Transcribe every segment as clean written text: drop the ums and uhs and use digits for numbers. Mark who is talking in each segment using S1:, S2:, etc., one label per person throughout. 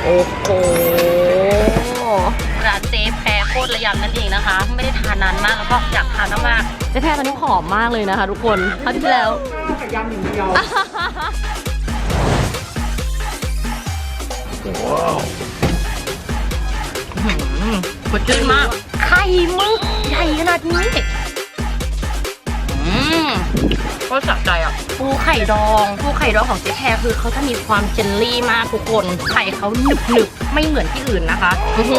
S1: โอ้โหร้านเจ๊แพรโคตรระยำนั่นเองนะคะไม่ได้ทานนานมากแล้วก็อยากทานมากๆเจ๊แพรตอนนี้ผอมมากเลยนะคะทุกคนคราวที่แล้ว
S2: ยำอย่างเดียว
S1: ว้าวสดชื่นมากไข่มึกใหญ่ขนาดนี้ก็สะใจอ่ะปูไข่ดองของเจ๊แพรคือเขาจะมีความเจลลี่มากทุกคนไข่เขาหนึบไม่เหมือนที่อื่นนะคะ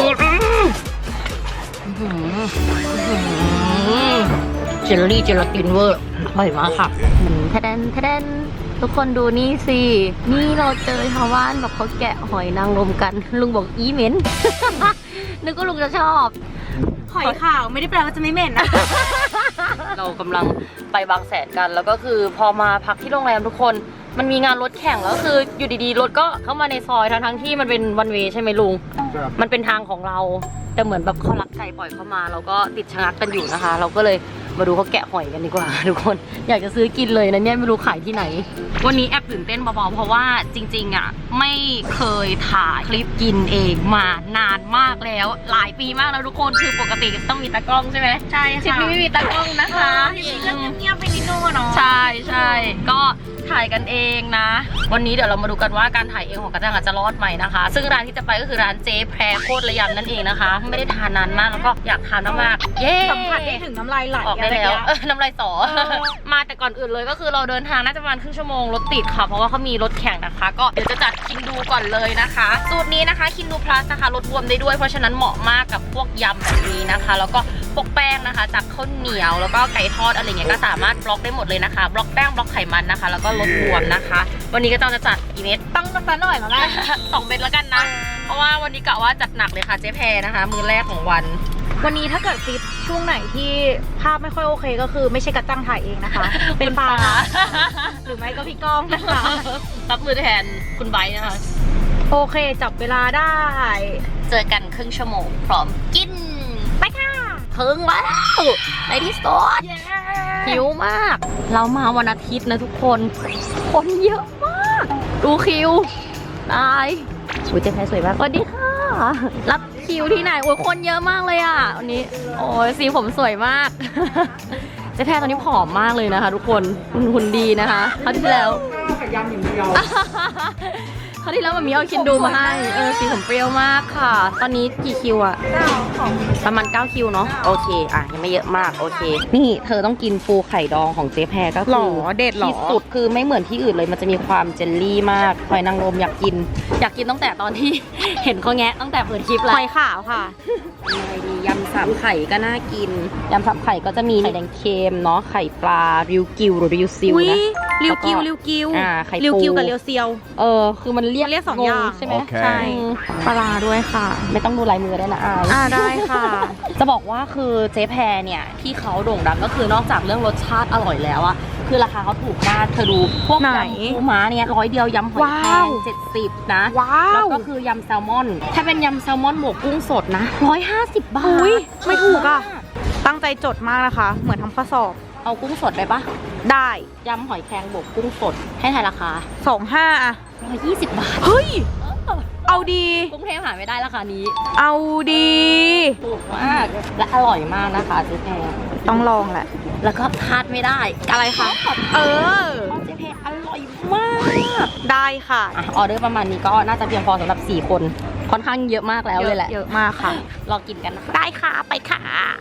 S1: เจลลี่เจลาตินเวอร์อร่อยมากค่ะทะเดนทุกคนดูนี่สินี่เราเจอชาวบ้านแบบเขาแกะหอยนางรมกันลุงบอกอีเหม็นนึกว่าลุงจะชอบ
S3: หอยขาวไม่ได้แปลว่าจะไม่เหม็นนะ
S1: เรากำลังไปบางแสนกันแล้วก็คือพอมาพักที่โรงแรมทุกคนมันมีงานรถแข่งแล้วคืออยู่ดีๆรถก็เข้ามาในซอยทั้งที่มันเป็นวันเวย์ใช่ไหมลุงมันเป็นทางของเราแต่เหมือนแบบเขาลักไก่ปล่อยเข้ามาเราก็ติดชะงักกันอยู่นะคะเราก็เลยมาดูเขาแกะหอยกันดีกว่าทุกคนอยากจะซื้อกินเลยนะเนี่ยไม่รู้ขายที่ไหนวันนี้แอบตื่นเต้นเบาๆเพราะว่าจริงๆอ่ะไม่เคยถ่ายคลิปกินเองมานานมากแล้วหลายปีมากแล้วทุกคนคือปกติต้องมีตากล้องใช่ไหม
S3: ใช่ค่ะ
S1: คลิปนี้ไม่มีตากล้องนะคะ
S3: เงียบไปนิดนึงเนาะ
S1: ใช่ก็ถ่ายกันเองนะวันนี้เดี๋ยวเรามาดูกันว่าการถ่ายเองของกระจังจะรอดไหมนะคะซึ่งร้านที่จะไปก็คือร้านเจ๊แพรโคตรระยำนั่นเองนะคะไม่ได้ทานนานมากแล้วก็อยากทานมากๆเย้
S3: สัมผัสได้ถึงน้ำลายไหล
S1: ออกได้แล้วน้ำลายสอมาแต่ก่อนอื่นเลยก็คือเราเดินทางน่าจะประมาณครึ่งชั่วโมงรถติดค่ะเพราะว่าเขามีรถแข่งนะคะก็เดี๋ยวจะจัดคินดูก่อนเลยนะคะสูตรนี้นะคะคินดูพลัสนะคะลดบวมได้ด้วยเพราะฉะนั้นเหมาะมากกับพวกยำแบบนี้นะคะแล้วก็พวกแป้งนะคะจากข้าวเหนียวแล้วก็ไก่ทอดอะไรเงี้ยก็สามารถบล็อกได้หมดเลยนะคะบล็อกแป้งบล็อกไขมันนะคะแล้วก็ลดบวมนะคะวันนี้ก็ต้องจะจัดกี่เม็ด
S3: ต้องสักหน่อยมาแม่
S1: 2 เม็ดแล้วกันนะเพราะว่าวันนี้กะว่าจัดหนักเลยค่ะเจ๊แพรนะคะมื้อแรกของวัน
S3: นี้ถ้าเกิดคลิปช่วงไหนที่ภาพไม่ค่อยโอเคก็คือไม่ใช่กระจังถ่ายเองนะคะเป็นปลาหรือไม่ก็พี่ก้องนะคะ
S1: รับมือแทนคุณไบร์ทนะคะ
S3: โอเคจับเวลาได้
S1: เจอกันครึ่งชั่วโมงพร้อมกินไปค่ะถึงแล้วในที่สุดหิวมากเรามาวันอาทิตย์นะทุกคนคนเยอะมากดูคิวตายอุ้ยเจ๊แพรสวยมากสวัสดีค่ะรับคิวที่ไหนโอ้ยคนเยอะมากเลยอ่ะวันนี้โอ้ยสีผมสวยมากเจ๊แพรตอนนี้ผอมมากเลยนะคะทุกคนหุ่นดีนะคะคราวที่แล้ว
S2: ยำอย่างเดียว
S1: คราวที่แล้วมันมีเอาคินดูมาให้สีผมเปรี้ยวมากค่ะตอนนี้กี่คิวอะประมาณ9 คิวเนาะโอเคอ่ะยังไม่เยอะมากโอเคนี่เธอต้องกินปูไข่ดองของเจ๊แพรก็คือ
S3: เด็ด
S1: ที่สุดคือไม่เหมือนที่อื่นเลยมันจะมีความเจลลี่มากหอยนางรมอยากกินตั้งแต่ตอนที่เห็นเขาแงะตั้งแต่เปิดคลิปแล้ว
S3: หอยขาวค่ะ
S1: อะไรดียำ3 ไข่ก็น่ากินยำ3 ไข่ก็จะมีไข่แดงเค็มเนาะไข่ปลาริวกิวหรือริวซิวนะ
S3: ริวกิว
S1: ไข่ปู
S3: ริวกิวกับริวเซียว
S1: คือมันเรียก
S3: 2 อย่าง
S1: ใช่ไหม
S3: ใช่ปลาด้วยค่ะ
S1: ไม่ต้องดูลายมือได้นะ
S3: ได้ค่ะ
S1: จะบอกว่าคือเจ๊แพรเนี่ยที่เขาโด่งดังก็คือนอกจากเรื่องรสชาติอร่อยแล้วอะคือราคาเขาถูกมากเธอดูพวกยำปูม้าเนี่ย100 เดียวยำหอยแครง70นะแล้วก็คือยำแซลมอนถ้าเป็นยำแซลมอนบวกกุ้งสดนะ150 บาท
S3: ไม่ถูกอะตั้งใจจดมากนะคะเหมือนทำข้อสอบ
S1: เอากุ้งสดได้ปะ
S3: ได้
S1: ยำหอยแครงบวกกุ้งสดให้ทายราคา
S3: 25อะ
S1: 120 บาท
S3: เฮ้ยเอาดี
S1: กรุงเทพหาไม่ได้ราคานี้
S3: เอาดี
S1: ถูกมากและอร่อยมากนะคะเจ๊แพร
S3: ต้องลองแหละ
S1: แล้วก็พลาดไม่ได้
S3: อะไรคะ
S1: เจ๊แพรอร่อยมาก
S3: ได้ค่ะ
S1: ออเดอร์ประมาณนี้ก็น่าจะเพียงพอสำหรับ4 คนค่อนข้างเยอะมากแล้วเลยแหละ
S3: เยอะมากค่ะ
S1: รอกินกันนะคะ
S3: ได้ค่ะไปค่ะ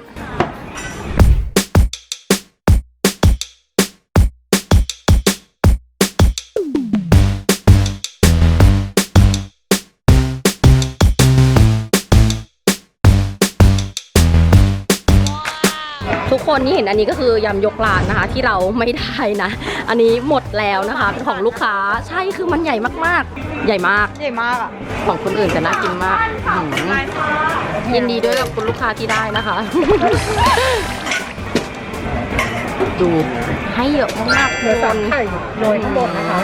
S1: ทุกคนที่เห็นอันนี้ก็คือยำยกร้านนะคะที่เราไม่ได้นะอันนี้หมดแล้วนะคะเป็นของลูกค้าใช่คือมันใหญ่มากๆใหญ่มาก
S3: อ่ะ
S1: ของคนอื่นจะน่ากินมากยินดีด้วยกับคุณลูกค้าที่ได้นะคะดูให้เยอะมากๆคน
S2: โรยข้างบนนะคะ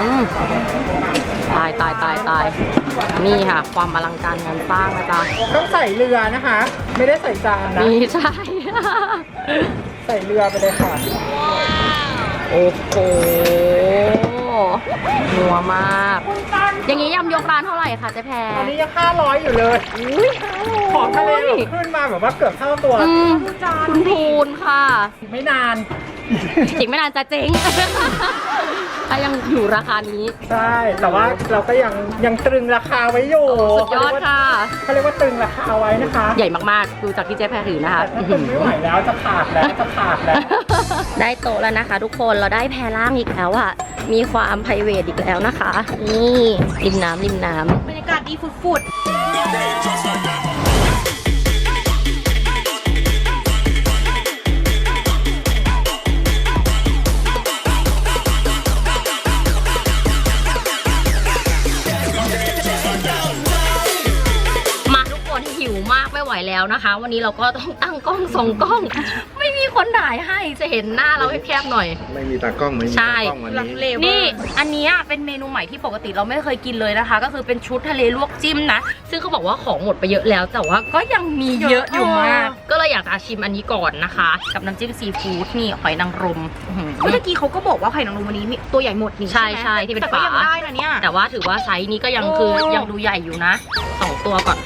S1: ตายนี่ค่ะความอลังการงานสร้างนะจ๊ะ
S2: ต้องใส่เรือนะคะไม่ได้ใส่จานนะ
S1: นี่ใช่
S2: ใส่เรือไปเลยค่ะ
S1: โอ้โหนัวมาก อย่างนี้ยำยกร้านเท่าไหร่คะเจ๊แพร
S2: ตอนนี้ยัง500อยู่เลยของทะเลแบบขึ้นมาแบบว่าเกือบเท่าตัว
S1: คุณพูนค่ะ
S2: ไม่นาน
S1: อีกไม่นานจะเจ๊ง ถ้ายังอยู่ราคานี้
S2: ใช่ แต่ว่าเราก็ยังตรึงราคาไว้อยู่
S1: สุดยอดค่ะ
S2: เขาเรียกว่าตรึงราคาไว้นะคะ
S1: ใหญ่มากๆ ดูจากที่เจ๊แพรถือนะคะ
S2: ถ้าคุณไม่ไหวแล้วจะขาดแล้วจะขาดแล้ว
S1: ได้โต๊ะแล้วนะคะ ทุกคนเราได้แพรล่างอีกแล้วอะมีความไพรเวทอีกแล้วนะคะ นี่ริมน้ำ
S3: บรรยากาศดีฟุด
S1: มาทุกคนหิวมากไม่ไหวแล้วนะคะ วันนี้เราก็ต้องตั้งกล้องส่องกล้อง ไม่มีคนถ่ายให้จะเห็นหน้าเราแคบๆหน่อย
S4: ไม่มีตากล้องไม่มี
S1: ใช่
S4: ตากล้องวัน
S3: ๆลังเล
S4: นี้
S3: เวอร์
S1: นี่อันเนี้ยเป็นเมนูใหม่ที่ปกติเราไม่เคยกินเลยนะคะ ก็คือเป็นชุดทะเลลวกจิ้มนะ ซึ่งเขาบอกว่าของหมดไปเยอะแล้ว แต่ว่าก็ยังมีเยอะอยู่มาก ก็เลยอยากจะชิมอันนี้ก่อนนะคะ กับน้ำจิ้มซีฟู้ดนี่หอยนางรมอื้อหือ
S3: เมื่อกี้เขาก็บอกว่าไข่นางรมวันนี้มีตัวใหญ่หมดนี่
S1: ใช่
S3: ไหม
S1: ใช่ที่เป็น
S3: แต่ก็ยัง
S1: ฝา
S3: ได้นะเนี่ย
S1: แต่ว่าถือว่าไซส์นี้ก็ยัง
S3: โอ้
S1: คือยังดูใหญ่อยู่นะ2ตัวก่อน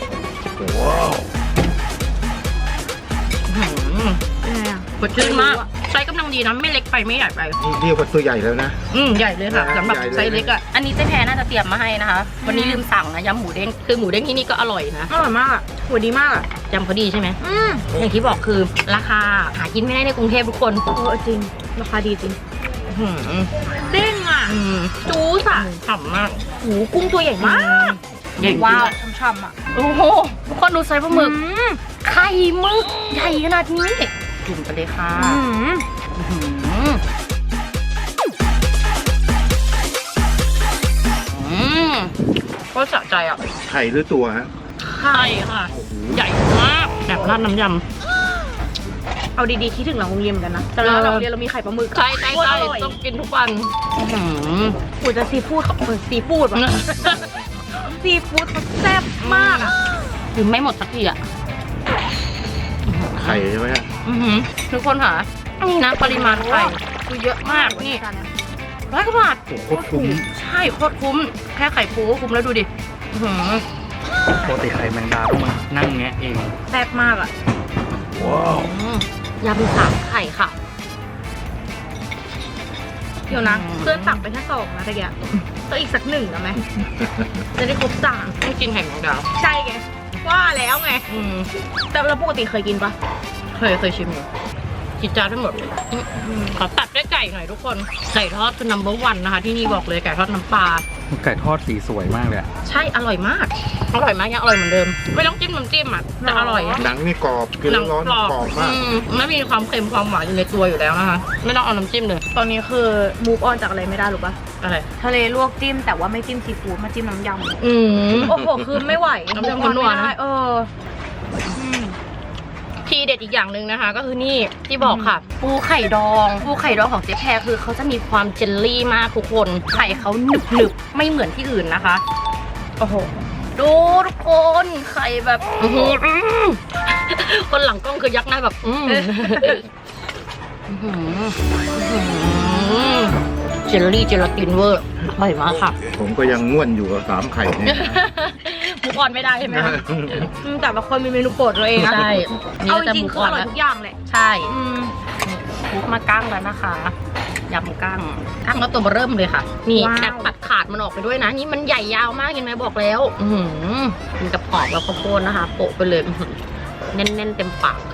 S1: อื้อหือ
S3: เป็นไงอะ
S1: สดชื่นมากไซส์กำลังดีนะไม่เล็กไปไม่ใหญ่ไป
S4: นี่เรียกว่าตัวใหญ่แล้วนะ
S1: ใหญ่เลยค่ะสำหรับ
S4: ใหญ่เลย
S1: ไซส์เล็กอ่ะอันนี้เจ๊แพรน่าจะเตรียมมาให้นะคะ วันนี้ลืมสั่งนะยำหมูเด้งคือหมูเด้งที่นี่ก็อร่อยนะ
S3: อร่อยมากอะหัวดีมากอะ
S1: ยำเขาดีใช่ไหมอย่างที่บอกคือราคาหากินไม่ได้ในกรุงเทพทุกคน
S3: จริงราคาดีจริง
S1: อื้อหือ
S3: เด้งอะ
S1: จู๊สอะฉ่ำมาก
S3: หูกุ้งตัวใหญ่มาก
S1: ใหญ่จริง
S3: ว้าวช่ำๆอะ
S1: โอ้โหทุกคนดูไซส์ปลาหมึกไข่หมึกใหญ่ขนาดนี้จุ่มไปเลยค่ะ อื้อหือก็สะใจอ่ะ
S4: ไข่หรือตัวฮะ
S1: ไข่ค่ะ ใหญ่มากแบบราดน้ำย
S3: เอาดีๆคิดถึงหลังโรงเรียนเหมือนกันนะแต่เราหลังโรงเรียนเรามีไข่ปลาหมึก
S1: ำใช่ใช่
S3: โคตร
S1: ใช่
S3: อร่อย
S1: ต้องกินทุกวันอื้อหือ
S3: กูจะซีฟู้ดซีฟู้ดว่ะซีฟู้ดเขาแซ่บมากอะ
S1: คือไม่หมดสักทีอ่ะ
S4: ไข่ใช่ไหมฮะ
S1: อื้อหือทุกคนค่ะนี่นะปริมาณไข่คือเยอะมากนี่100 กว่าบาท
S4: โอ้โหโคตรคุ้ม
S1: ใช่โคตรคุ้มแค่ไข่ปูก็คุ้มแล้วดูดิอื้อหือ
S5: ปกติไข่แมงดาต้องมานั่งแงะเอง
S3: แซ่บมากอะ
S1: ยำ3 ไข่ค่ะ
S3: เดี๋ยวนะ
S1: อืม
S3: เพื่อนตักไปแค่2นะตะเกียบต้องอีกสัก1นะไหมจะได้ครบ3
S1: ต้องกินไข่แมงดา
S3: ใช่ไงว่าแล้วไง แต่เราปกติเคยกินปะ
S1: เคยชิมอยู่กินจานทั้งหมดขอตัดด้วยไก่หน่อยทุกคนไก่ทอดคือ number 1นะคะ ที่นี่บอกเลยไก่ทอดน้ำปลา
S5: ไก่ทอดสีสวยมากเลยอะ
S1: ใช่อร่อยมากอร่อยมากยังอร่อยเหมือนเดิม ไม่ต้องจิ้มน้ำจิ้มอ่ะแต่อร่อยอะ
S4: หนังนี่กรอบกินร้อนๆกรอบมาก
S1: ไม่มีความเค็มความหวานอยู่ในตัวอยู่แล้วนะคะไม่ต้องเอาน้ำจิ้มเลย
S3: ตอนนี้คือมูฟออนจากอะไรไม่ได้หรือปะ
S1: อะไร
S3: ทะเลลวกจิ้มแต่ว่าไม่จิ้มซีฟู้ดมาจิ้มน้ำยำ โอ้โหคือไม่ไหว
S1: น้ำยำคนนัวนะ
S3: ไม่ได้
S1: ทีเด็ดอีกอย่างหนึ่งนะคะ ก็คือนี่ที่บอกค่ะ ปูไข่ดองของเจ๊แพรคือเขาจะมีความเจลลี่มากทุกคนไข่เขาหนึบๆไม่เหมือนที่อื่นนะคะ
S3: โอ้โห
S1: ดูทุกคนไข่แบบอื้อหือคนหลังกล้องคือยักหน้าแบบเจลลี่เจลาตินเวอร์อร่อยมากค่ะ
S4: ผมก็ยังง่วนอยู่กับ3 ไข่เนี่ย
S1: มุกออนไม่ได้ใช่ไหมคะ
S3: แต่ละคนมีเมนูโปรดตัวเองนะ
S1: ใช่นี่
S3: เอา
S1: ก็
S3: จ
S1: จะ
S3: ริง
S1: มุ
S3: ๆ
S1: ก
S3: คือ
S1: ออ
S3: อน ร่อย
S1: แล้ว
S3: ทุกอย่างแหละ
S1: ใช่มุกมากั้งแล้วนะคะยำกั้งก็ตัวเริ่มเลยค่ะ นี่
S3: ว้าว
S1: แอบตัดขาดมันออกไปด้วยนะ นี่มันใหญ่ยาวมากเห็นไหมบอกแล้วกินกับหอมแล้วข้าวโพดนะคะโปะไปเลยแน่นๆเต็มปาก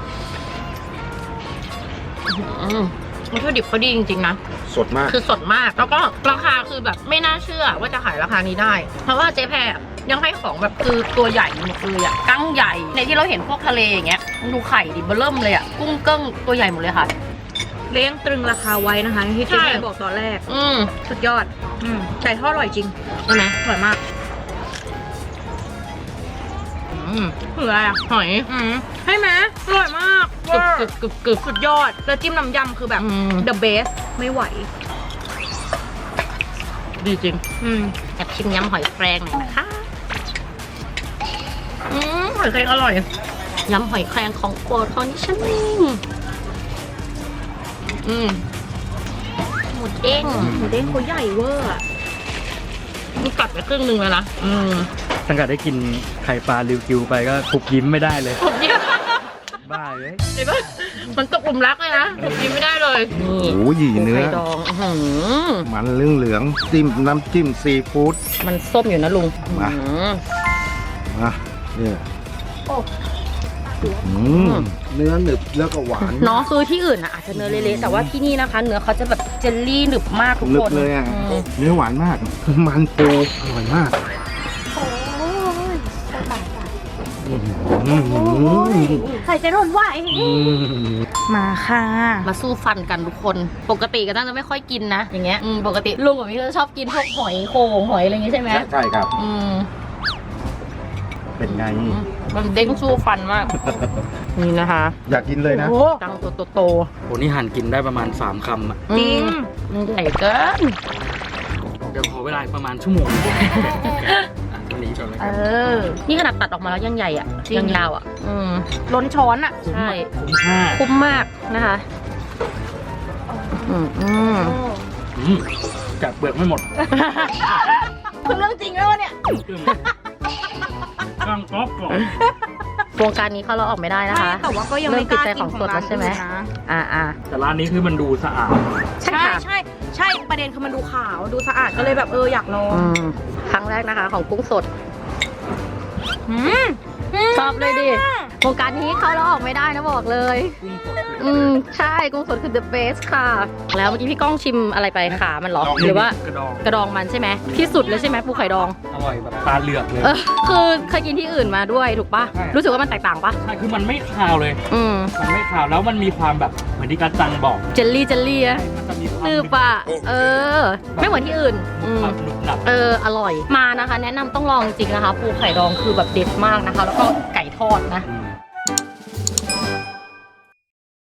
S1: วัตถุดิบเขาดีจริงๆนะ
S4: สดมาก
S1: คือสดมากแล้วก็ราคาคือแบบไม่น่าเชื่อว่าจะขายราคานี้ได้ เพราะว่าเจ๊แพรยังให้ของแบบคือตัวใหญ่หมดเลยอ่ะกั้งใหญ่ในที่เราเห็นพวกทะเลอย่างเงี้ยดูไข่ดิเบอเริ่มเลยอ่ะกุ้งเกิ้งตัวใหญ่หมดเลยค่ะ
S3: เลี้ยงตรึงราคาไว้นะคะที่
S1: ใช่
S3: เจ๊บอกตอนแรก สุดยอดไก่ทอดอร่อยจริง
S1: ใช่ไหม
S3: อร่อยมากคืออะไรอ่ะ
S1: หอย
S3: ใช่ไหมอร่อยมาก
S1: กรึบกรึบกรึบ
S3: สุดยอด แล้วจิ้มน้ำยำคือแบบ the best ไม่ไหว
S1: ดีจริง
S3: อืม
S1: แอบชิมยำหอยแครงหน่อยนะคะหอยแครงอร่อยยำหอยแครงของโปรดของดิฉันเองหมูเด้ง
S3: หมูเด้งเขาใหญ่เวอร์อะ
S1: มันกัดไปครึ่งหนึงแล้วนะ
S5: ตั้งแต่ได้กินไข่ปลาริวกิวไปก็ปุบยิ้มไม่ได้เลย
S1: ผมยิ้ม
S5: บ้าเลย
S1: เห็นปะมันตกหลุมรักเลยนะผมยิ้มไม่ได้เลยนี่
S4: โอ้ยเนื้อ
S1: ไข่ดองอื้อหือ
S4: มันเหลืองๆจิ้มน้ำจิ้มซีฟู้ด
S1: มันส้มอยู่นะลุง
S4: มา
S1: อื้อหือ
S4: นะเนี่ยเนื้อหนึบแล้วก็หวาน
S1: เนาะคือที่อื่นนะอาจจะเนื้อเละๆแต่ว่าที่นี่นะคะ เนื้อเขาจะแบบเจลลี่หนึบมากทุก
S4: หนึ
S1: ค
S4: บ
S1: น
S4: เลยอ่ะ
S1: อืม
S4: เนื้อหวานมาก มันปูอร่อยมาก
S3: ใครจะทนไหวมาค่ะ
S1: มาสู้ฟันกันทุกคน ปกติก็ตั้งจะไม่ค่อยกินนะอย่างเงี้ยปกติลุงกับพี่จะชอบกินพวกหอยโข่งหอยอะไรอย่างงี้ใช่ไหม
S4: ใช่ครับ
S1: อืม
S4: เป็นไง
S1: มันเด้งสู้ฟันมาก นี่นะคะ
S4: อยากกินเลยนะ
S3: โอ้
S1: ตังโต
S5: โหนี่หั่นกินได้ประมาณ3 คำอ่ะ
S1: ๆ
S3: จริง
S1: มันใหญ่เกิน
S5: เดี๋ยวขอเวลาอีกประมาณชั่วโมงอ่ะอันนี้ก่อนเลยครับ
S1: นี่ขนาดตัดออกมาแล้วยังใหญ่อ่ะ
S3: จริง
S1: ยังยาวอ่ะ
S3: ล้นช้อนอะ
S1: ใช่
S5: คุ้มค่า
S1: คุ้มมากนะคะ
S5: แกะเปลือกไม่หมด
S3: คือเรื่องจริงแล้วเนี่ย
S5: กล้างกรอบกรอบ
S1: วงการนี้เขาเราออกไม่ได้นะคะ
S3: แต่ว่าก็ยังไม่กล้ากินของร้าน
S1: ใช่ไหม
S3: อื่นนะ
S1: อ่า
S5: แต่ร้านนี้คือมันดูสะอาด
S1: ใช่
S3: ใช่
S1: ค่ะ
S3: ใช่ใช่ประเด็นคือมันดูขาวดูสะอาดก็เลยแบบอยากลอง
S1: ครั้งแรกนะคะของกุ้งสดชอบเลยดิวงการนี้เขาเราออกไม่ได้นะบอกเลย ใช่กุ้งสดคือ the best ค่ะ แล้วเมื่อกี้พี่ก้องชิมอะไรไปขามันเหรอ หรือว่าก
S5: ระดอง
S1: กระดองมันใช่ไหมที่สุดเลยใช่ไหมปูไข่ดอง
S5: อร่อยแบบตาเหลือกเลย
S1: คือเคยกินที่อื่นมาด้วยถูกปะ
S5: ใช่
S1: รู้สึกว่ามันแตกต่างปะ
S5: ใช่คือมันไม่คาวเลย มันไม่คาวแล้วมันมีความแบบเหมือนที่กัจจังบอก
S1: เจลลี่อะ
S5: มันจะมีความ
S1: นืบปะไม่เหมือนที่อื่น
S5: ความหนุบหนับ
S1: อร่อยมานะคะ แนะนำต้องลองจริงนะคะ ปูไข่ดองคือแบบเด็ดมากนะคะ แล้วก็ไก่ทอดนะ
S5: อืม